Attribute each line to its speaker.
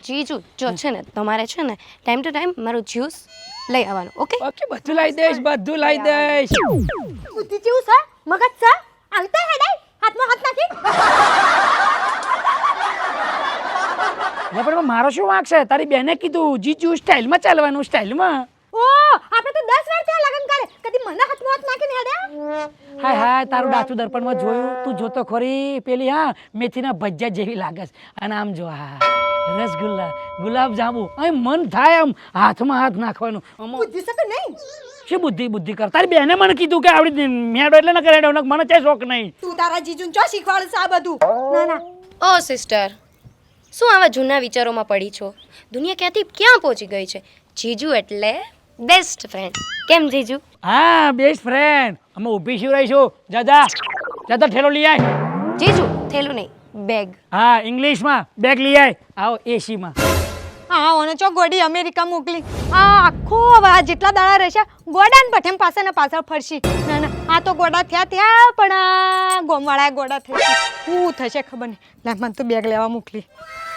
Speaker 1: જીજુ જો છે ને તમારે છે ને ટાઈમ ટુ ટાઈમ મારું જ્યુસ લઈ આવવાનું ઓકે
Speaker 2: ઓકે બધું લાવી દઈશ
Speaker 3: બુદ્ધિ જેવું છે મગજ છે આવતા હેડાય હાથમાં હાથ નાખી
Speaker 2: એટલે પણ મારો શું વાંક છે તારી બેને કીધું જીજુ સ્ટાઇલમાં ચાલવાનું સ્ટાઇલમાં
Speaker 3: ઓ આપણે તો 10 વાર થયા લગન કરે કદી મને હાથમાં હાથ નાખીને હેડ્યા
Speaker 2: હાય હાય તારું ડાચું દર્પણમાં જોયું તું જોતો ખરી પેલી હા મેથીના ભજીયા જેવી લાગે છે અને આમ જો હા રસગુલ્લા ગુલાબ જાંબુ અહીં મન થાય આમ હાથમાં હાથ નાખવાનું
Speaker 3: બુદ્ધિ છે કે નહીં
Speaker 2: શું બુદ્ધિ કર તારી બેને મને કીધું કે આવડી મેડો એટલે ન કરેડો મને ચાય શોખ નહીં
Speaker 3: તું તારા જીજુને ચો શીખવાડે છે આ બધું ના ના
Speaker 1: ઓ સિસ્ટર શું આવા જૂના વિચારોમાં પડી છો દુનિયા ક્યાંથી ક્યાં પહોંચી ગઈ છે જીજુ એટલે બેસ્ટ ફ્રેન્ડ કેમ જીજુ
Speaker 2: હા બેસ્ટ ફ્રેન્ડ અમે ઊભી શું રહીશું જાદા ઠેલો લઈ આય
Speaker 1: જીજુ થેલું નહીં બેગ
Speaker 2: હા ઇંગ્લિશમાં બેગ લઈ આય આવો એસીમાં
Speaker 3: હા ઓને ચો ગોડી અમેરિકા મોકલી આ આખો આ જેટલા દાડા રહેશે ગોડા ને પઠેમ પાસે ને પાછળ ફરશી ના ના આ તો ગોડા થયા પણ આ ગોમવાળા ગોડા થઈ શું થશે ખબર નહીં લે મને તો બેગ લેવા મોકલી